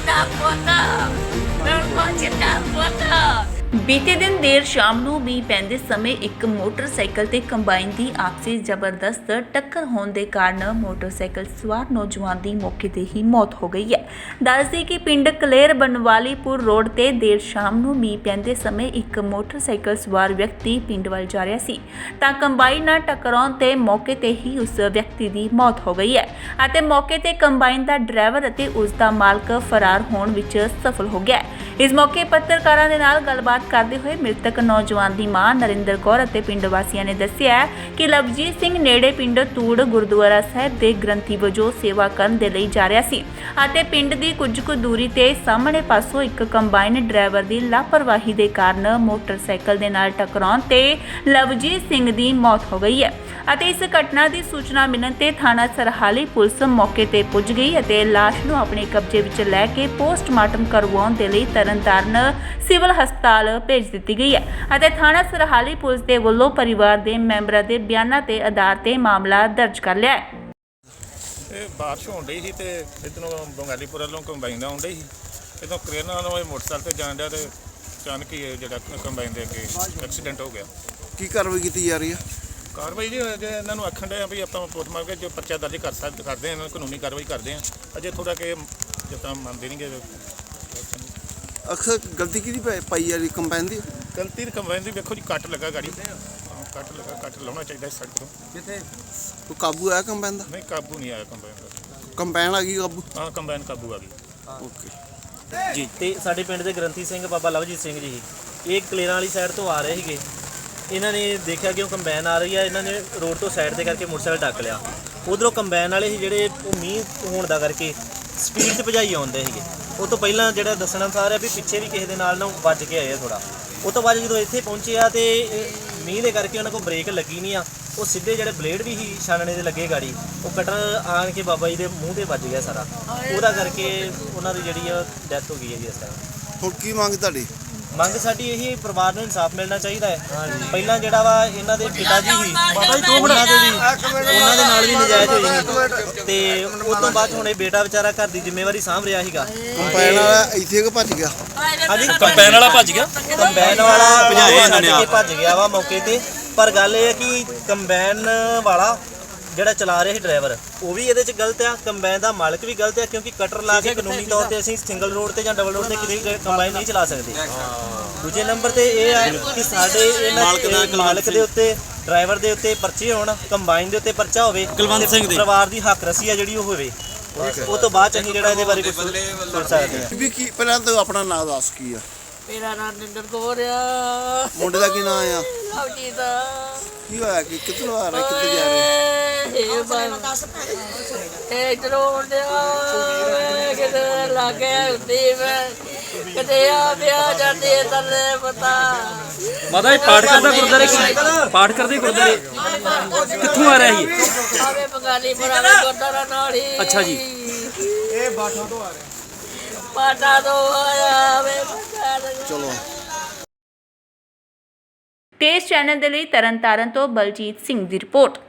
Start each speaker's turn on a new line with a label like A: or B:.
A: ਜਿੰਦਾ ਪੁੱਤ ਬਿਲਕੁਲ ਜਿੰਦਾ ਪੁੱਤ। ਬੀਤੇ ਦਿਨ ਦੇਰ ਸ਼ਾਮ ਨੂੰ ਮੀਂਹ ਪੈਂਦੇ ਸਮੇਂ ਇੱਕ ਮੋਟਰਸਾਈਕਲ ਤੇ ਕੰਬਾਈਨ ਦੀ ਆਪਸੀ ਜ਼ਬਰਦਸਤ ਟੱਕਰ ਹੋਣ ਦੇ ਕਾਰਨ ਮੋਟਰਸਾਈਕਲ ਸਵਾਰ ਨੌਜਵਾਨ ਦੀ ਮੌਕੇ ਤੇ ਹੀ ਮੌਤ ਹੋ ਗਈ ਹੈ। ਦੱਸਦੇ ਕਿ ਪਿੰਡ ਕਲੇਰ ਬਨਵਾਲੀਪੁਰ ਰੋਡ ਤੇ ਦੇਰ ਸ਼ਾਮ ਨੂੰ ਮੀਂਹ ਪੈਂਦੇ ਸਮੇਂ ਇੱਕ ਮੋਟਰਸਾਈਕਲ ਸਵਾਰ ਵਿਅਕਤੀ ਪਿੰਡ ਵੱਲ ਜਾ ਰਿਹਾ ਸੀ ਤਾਂ ਕੰਬਾਈਨ ਨਾਲ ਟਕਰਾਉਣ ਤੇ ਮੌਕੇ ਤੇ ਹੀ ਉਸ ਵਿਅਕਤੀ ਦੀ ਮੌਤ ਹੋ ਗਈ ਹੈ ਅਤੇ ਮੌਕੇ ਤੇ ਕੰਬਾਈਨ ਦਾ ਡਰਾਈਵਰ ਅਤੇ ਉਸ ਦਾ ਮਾਲਕ ਫਰਾਰ ਹੋਣ ਵਿੱਚ ਸਫਲ ਹੋ ਗਿਆ। ਇਸ ਮੌਕੇ ਪੱਤਰਕਾਰਾਂ ਦੇ ਨਾਲ ਗੱਲਬਾਤ ਕਰਦੇ ਹੋਏ ਮ੍ਰਿਤਕ ਨੌਜਵਾਨ ਦੀ ਮਾਂ ਨਰਿੰਦਰ ਕੌਰ ਅਤੇ ਪਿੰਡ ਵਾਸੀਆਂ ਨੇ ਦੱਸਿਆ ਕਿ ਲਵਜੀਤ ਸਿੰਘ ਨੇੜੇ ਪਿੰਡ ਤੂੜ ਗੁਰਦੁਆਰਾ ਸਾਹਿਬ ਦੇ ਗ੍ਰੰਥੀ ਵਜੋਂ ਸੇਵਾ ਕਰਨ ਦੇ ਲਈ ਜਾ ਰਿਹਾ ਸੀ ਅਤੇ ਪਿੰਡ ਦੀ ਕੁਝ ਕੁ ਦੂਰੀ ਤੇ ਸਾਹਮਣੇ ਪਾਸੋਂ ਇੱਕ ਕੰਬਾਈਨ ਡਰਾਈਵਰ ਦੀ ਲਾਪਰਵਾਹੀ ਦੇ ਕਾਰਨ ਮੋਟਰਸਾਈਕਲ ਦੇ ਨਾਲ ਟਕਰਾਉਣ ਤੇ ਲਵਜੀਤ ਸਿੰਘ ਦੀ ਮੌਤ ਹੋ ਗਈ ਹੈ ਅਤੇ ਇਸ ਘਟਨਾ ਦੀ ਸੂਚਨਾ ਮਿਲਣ ਤੇ ਥਾਣਾ ਸਰਹਾਲੀ ਪੁਲਿਸ ਮੌਕੇ ਤੇ ਪੁੱਜ ਗਈ ਅਤੇ ਲਾਸ਼ ਨੂੰ ਆਪਣੇ ਕਬਜ਼ੇ ਵਿੱਚ ਲੈ ਕੇ ਪੋਸਟਮਾਰਟਮ ਕਰਵਾਉਣ ਦੇ ਲਈ ਤਰਨਤਾਰਨ ਸਿਵਲ ਹਸਪਤਾਲ ਭੇਜ ਦਿੱਤੀ ਗਈ ਹੈ ਅਤੇ ਥਾਣਾ ਸਰਹਾਲੀ ਪੁਲਿਸ ਦੇ ਵੱਲੋਂ ਪਰਿਵਾਰ ਦੇ ਮੈਂਬਰਾਂ ਦੇ ਬਿਆਨਾਂ ਤੇ ਆਧਾਰ ਤੇ ਮਾਮਲਾ ਦਰਜ ਕਰ ਲਿਆ ਹੈ।
B: ਇਹ ਬਾਰਿਸ਼ ਹੋਣ ਡਈ ਸੀ ਤੇ ਇੱਧਰੋਂ ਬੰਗਾਲੀਪੁਰ ਵੱਲੋਂ ਕੰਬਾਈਨ ਆਉਣ ਡਈ ਸੀ। ਇੱਥੋਂ ਕਰੇਨਾਂ ਨਾਲ ਇਹ ਮੋਟਰਸਾਈਕਲ ਤੇ ਜਾਣ ਡਿਆ ਤੇ ਅਚਾਨਕ ਹੀ ਇਹ ਜਿਹੜਾ ਕੰਬਾਈਨ ਦੇ ਅੱਗੇ ਐਕਸੀਡੈਂਟ ਹੋ ਗਿਆ।
C: ਕੀ ਕਾਰਵਾਈ ਕੀਤੀ ਜਾ ਰਹੀ ਹੈ?
B: ਕਾਰਵਾਈ ਜੀ ਜੇ ਇਹਨਾਂ ਨੂੰ ਆਖਣ ਡਿਆ ਵੀ ਆਪਾਂ ਪੋਸਟਮਾਰਟਮ ਕੇ ਜੋ ਪਰਚਾ ਦਰਜ ਕਰਦੇ ਹਾਂ ਇਹਨਾਂ ਨੂੰ ਕਾਨੂੰਨੀ ਕਾਰਵਾਈ ਕਰਦੇ ਹਾਂ। ਅਜੇ ਥੋੜਾ ਕਿ ਜਿੱਦਾਂ ਮੰਨਦੇ ਨਹੀਂਗੇ।
C: ਅਕਸਰ ਗਲਤੀ ਕਿਹਦੀ ਪਾਈ ਜਾ ਰਹੀ ਕੰਬਾਈਨ ਦੀ?
B: ਗਲਤੀ ਦੀ ਕੰਬਾਈਨ ਦੀ ਵੇਖੋ ਜੀ ਕੱਟ ਲੱਗਾ ਗਾੜੀ ਕੱਟ ਲਾਉਣਾ ਚਾਹੀਦਾ ਸੜਕ ਤੋਂ।
C: ਕਿੱਥੇ ਕੋਈ ਕਾਬੂ ਆਇਆ ਕੰਬਾਈਨ ਦਾ?
B: ਨਹੀਂ ਕਾਬੂ ਨਹੀਂ ਆਇਆ ਕੰਬਾਈਨ ਦਾ।
C: ਕੰਬਾਈਨ ਆ ਗਈ ਕਾਬੂ?
B: ਹਾਂ ਕੰਬਾਈਨ ਕਾਬੂ ਆ ਗਈ।
C: ਓਕੇ
D: ਜੀ। ਤੇ ਸਾਡੇ ਪਿੰਡ ਦੇ ਗ੍ਰੰਥੀ ਸਿੰਘ ਬਾਬਾ ਲਵਜੀਤ ਸਿੰਘ ਜੀ ਇਹ ਕਲੇਰਾਂ ਵਾਲੀ ਸਾਈਡ ਤੋਂ ਆ ਰਹੇ ਸੀਗੇ। ਇਹਨਾਂ ਨੇ ਦੇਖਿਆ ਕਿ ਉਹ ਕੰਬਾਈਨ ਆ ਰਹੀ ਆ, ਇਹਨਾਂ ਨੇ ਰੋਡ ਤੋਂ ਸਾਈਡ ਤੇ ਕਰਕੇ ਮੋਟਰਸਾਈਕਲ ਟੱਕ ਲਿਆ। ਉਧਰੋਂ ਕੰਬਾਈਨ ਵਾਲੇ ਸੀ ਜਿਹੜੇ ਉਹ ਮੀਂਹ ਹੋਣ ਦਾ ਕਰਕੇ ਸਪੀਡ 'ਚ ਭਜਾਈ ਆਉਂਦੇ ਸੀਗੇ। ਉਹ ਤੋਂ ਪਹਿਲਾਂ ਜਿਹੜਾ ਦੱਸਣ ਅਨੁਸਾਰ ਹੈ ਵੀ ਪਿੱਛੇ ਵੀ ਕਿਸੇ ਦੇ ਨਾਲ ਨਾ ਵੱਜ ਕੇ ਆਏ ਆ ਥੋੜਾ। ਉਹ ਤੋਂ ਬਾਅਦ ਜਦੋਂ ਇੱਥੇ ਪਹੁੰਚੇ ਆ ਤੇ ਮੀਂਹ ਦੇ ਕਰਕੇ ਉਹਨਾਂ ਕੋਲ ਬ੍ਰੇਕ ਲੱਗੀ ਨਹੀਂ ਆ। ਉਹ ਸਿੱਧੇ ਜਿਹੜੇ ਬਲੇਡ ਵੀ ਸੀ ਛਾਨਣੇ ਦੇ ਲੱਗੇ ਗਾੜੀ, ਉਹ ਕਟਰ ਆਣ ਕੇ ਬਾਬਾ ਜੀ ਦੇ ਮੂੰਹ ਤੇ ਵੱਜ ਗਿਆ ਸਾਰਾ। ਉਹਦਾ ਕਰਕੇ ਉਹਨਾਂ ਦੀ ਜਿਹੜੀ ਆ ਡੈਥ ਹੋ ਗਈ ਹੈ ਜੀ ਇਸ ਟਾਈਮ।
C: ਹੁਣ ਕੀ ਮੰਗ ਤੁਹਾਡੀ?
D: ਮੰਗ ਸਾਡੀ ਇਹੀ ਪਰਿਵਾਰ ਨੂੰ ਇਨਸਾਫ ਮਿਲਣਾ ਚਾਹੀਦਾ ਹੈ। ਪਹਿਲਾਂ ਜਿਹੜਾ ਵਾ ਇਹਨਾਂ ਦੇ ਪਿਤਾ ਜੀ ਸੀ ਉਹਨਾਂ ਦੇ ਨਾਲ ਵੀ ਨਜਾਇਜ਼ ਹੋਈ ਸੀ ਤੇ ਉਸ ਤੋਂ ਬਾਅਦ ਹੁਣ ਇਹ ਬੇਟਾ ਵਿਚਾਰਾ ਘਰ ਦੀ ਜ਼ਿੰਮੇਵਾਰੀ ਸਾਂਭ ਰਿਹਾ ਸੀਗਾ।
C: ਕੰਬਾਈਨ ਵਾਲਾ ਇੱਥੇ ਕਿ ਭੱਜ ਗਿਆ?
D: ਹਾਂਜੀ ਕੰਬਾਈਨ ਵਾਲਾ ਭੱਜ ਗਿਆ। ਕੰਬਾਈਨ ਵਾਲਾ ਭੱਜ ਗਿਆ ਵਾ ਮੌਕੇ ਤੇ। ਪਰ ਗੱਲ ਇਹ ਹੈ ਕਿ ਕੰਬਾਈਨ ਵਾਲਾ ਜਿਹੜਾ ਚਲਾ ਰਿਹਾ ਸੀ ਡਰਾਈਵਰ ਉਹ ਵੀ ਇਹਦੇ 'ਚ ਗਲਤ ਆ, ਕੰਬਾਈਨ ਦਾ ਮਾਲਕ ਵੀ ਗਲਤ ਆ ਕਿਉਂਕਿ ਕਟਰ ਲਾ ਕੇ ਕਾਨੂੰਨੀ ਤੌਰ ਤੇ ਅਸੀਂ ਸਿੰਗਲ ਰੋਡ ਤੇ ਜਾਂ ਡਬਲ ਰੋਡ ਤੇ ਕਿਤੇ ਕੰਬਾਈਨ ਨਹੀਂ ਚਲਾ ਸਕਦੇ। ਦੂਜੇ ਨੰਬਰ ਤੇ ਇਹ ਆ ਕਿ ਸਾਡੇ ਇਹਨਾਂ ਮਾਲਕ ਦੇ ਉੱਤੇ ਡਰਾਈਵਰ ਦੇ ਉੱਤੇ ਪਰਚੇ ਹੋਣ, ਕੰਬਾਈਨ ਦੇ ਉੱਤੇ ਪਰਚਾ ਹੋਵੇ, ਪਰਿਵਾਰ ਦੀ ਹੱਕ ਰਸੀ ਆ ਜਿਹੜੀ ਉਹ ਹੋਵੇ। ਉਹ ਤੋਂ ਬਾਅਦ ਅਸੀਂ ਜਿਹੜਾ ਇਹਦੇ ਬਾਰੇ ਕੁਝ ਸੋਚ ਸਕਦੇ ਹਾਂ।
C: ਵੀ ਕੀ ਪਹਿਲਾਂ ਤਾਂ ਆਪਣਾ ਨਾਮ ਦੱਸ ਕੀ ਆ?
A: ਮੇਰਾ ਨਾਮ ਨਰਿੰਦਰ ਕੌਰ ਆ।
C: ਮੁੰਡੇ ਦਾ ਕੀ ਨਾਮ ਆ?
A: ਲਵਜੀਤ।
C: ਕੀ ਹੋਇਆ ਕਿ ਕਿੱਥੋਂ ਆ ਰਹੇ ਕਿੱਥੇ ਜਾ ਰਹੇ?
A: ਇਹ ਇਧਰੋਂ ਕਿਤੇ ਲਾਗੇ ਹੁੰਦੀ ਮੈਂ ਕਿਤੇ ਆ ਵਿਆਹ ਜਾਂਦੀ ਤੈਨੂੰ ਪਤਾ।
E: ਮਾਤਾ ਇਹ ਪਾਠ ਕਰਦਾ ਗੁਰਦਾਰੇ ਪਾਠ ਕਰਦੇ ਗੁਰਦਾਰੇ ਕਿੱਥੋਂ ਆ ਰਿਹਾ ਸੀ?
A: ਆਵੇ ਬੰਗਾਲੀ ਪੁਰਾਣਾ ਗੁਰਦਾਰਾ ਨਾਲ ਹੀ।
E: ਅੱਛਾ ਜੀ।
C: ਇਹ ਬਾਠਾ ਤੋਂ ਆ ਰਹੇ?
A: ਪਾਟਾ ਤੋਂ ਆਇਆ ਵੇ।
C: ਚਲੋ।
A: ਤੇਜ਼ ਚੈਨਲ ਦੇ ਲਈ ਤਰਨਤਾਰਨ ਤੋਂ ਬਲਜੀਤ ਸਿੰਘ ਦੀ ਰਿਪੋਰਟ।